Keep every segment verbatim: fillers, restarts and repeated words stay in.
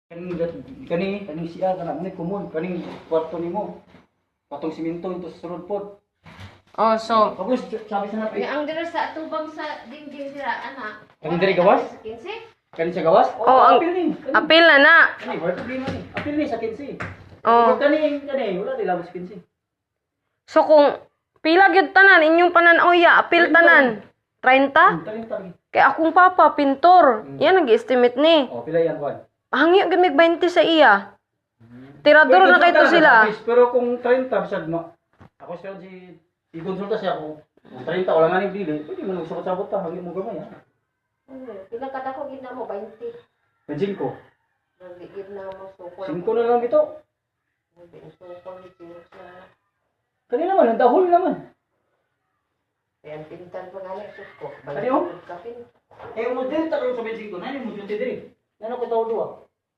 Kaning kani kaning siya kana ni kumon kaning kwarto nimo. Patong simento ito sa sulod pod. Oh, so Kapos sabi sa napi. Ang dira sa atubang sa dingding dira ana. Kaning diri gawas? Sa kinse? Kani sa gawas? Oh, ang- apil ni. Kani. apil na na. Kani wala problema ni. Apil ni sa kinsi. Oh. Kani kani wala di labas kinsi. So kung pila gyud tanan inyong pananaw-ya, apil tanan. thirty? Tari tari. Kay akong papa pintor. Yan nag-estimate ni. Oh, pila yan kuan. Hangi gyud mig twenty sa iya. Tirador na kay to sila. Pero kung thirty bisag no. Ako siya si i-consulta siya ko. Kung thirty wala nga ni dili, pwede mo nagsabot-sabot ta hangin mo gamay ha. Pila kada ko gid na mo twenty. Medjin ko. Nagigid na mo sukol. Cinco na lang ito. Hindi sukol ni sa Kanina naman, ang dahol naman. Ayan, pintan pa nga na suko. Ano yun? Kapin. Eh, mo dili ta karon sa medjin ko. Nani mo dili diri. Nano ko tawo duwa.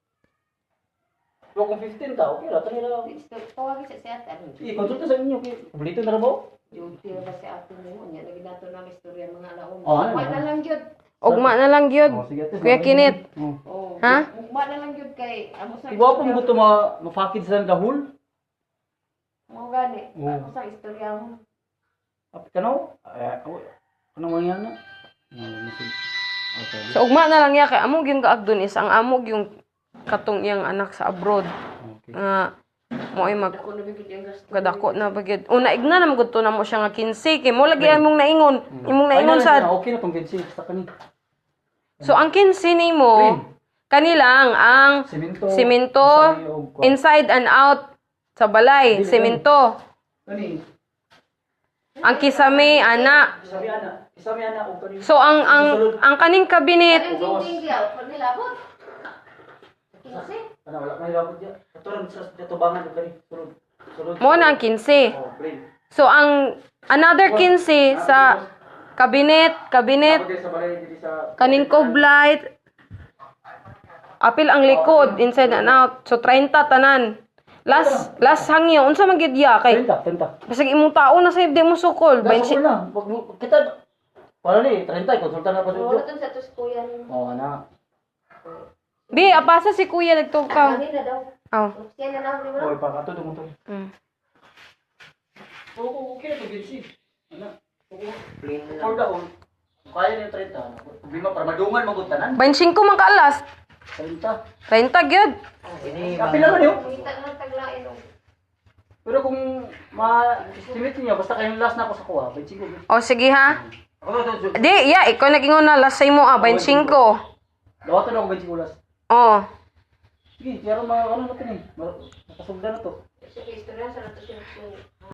Pero kung fifteen ta, okay ra tani lang. Tawagin sa siyatan. I-consulta sa inyo kay bulito na ra ba? Duty na ba si ato mo? Nya lagi nato ng istorya mga alaon. Oh, ano? Ugma na lang gyud. Ugma na lang gyud. Oh, sige ate. Kuya Kinit. Oh. Oh. Ha? Ugma na lang gyud kay amo sa. Iwa pa mo to ma mafakid sa dahol. Mo gani. Oh. Amo sa istorya mo. Apit kano? Eh, ano man na? Okay. So ugma na lang ya kay amo gyud gaagdon is ang amo yung katong iyang anak sa abroad. Okay. Nga mo ay mag Ako na bigid yung gasto. kadako na bagid. Una igna na magud to na mo siya nga kinse kay mo lagi among naingon. Imong naingon Ay, na, na, sa okay na tong kinsi sa kani. So ang kinse nimo kanilang ang Semento. simento isang iyo, kuwan. inside and out sa balay, Dili, simento. Kani. Ang kisame ana. Sabi ana, sabi ana og kani. So ang ang ang kaning kabinet Ang dingding diya, pag nilabot. Kinse? Ano wala may labot diya. Katuran sa tubangan og kani. Sulod. Sulod. mo na ang kinse. Oh, brain. So ang another kinse sa kabinet, kabinet Kapag sa balay dili sa kaning cove light. Apil ang likod inside and out. So thirty tanan. Last last hangyo unsa man gid ya kay Tenta, tenta. basig imong tao na sa di mo sukol. Basi twenty na. Pag kita para ni thirty konsulta na pa Wala sa. tun sa tus kuya ni. Oh, ana. Bi apasa si kuya nagtukaw. Kanina daw. Oh. Siya na lang di mo. Oy, pa kato mo to. Mm. Oo, okay na to kinsi. Ana. Oo. Plain For the whole. Kaya ni thirty. Bima para madungan magutanan. twenty-five man ka alas. thirty. thirty gyud. Ini Kapil naman yun. Kita na taglain og. Pero kung ma-estimate niyo, basta kayong last na ako sa kuha, twenty-five. O sige ha. Ako na ito, Di, ya, ikaw nagingon na last say mo ah, twenty-five. dawatan ako twenty-five last. Oh. Sige, pero mga ano na ito eh, nakasugda na to. Sige, istorya sa nato siya.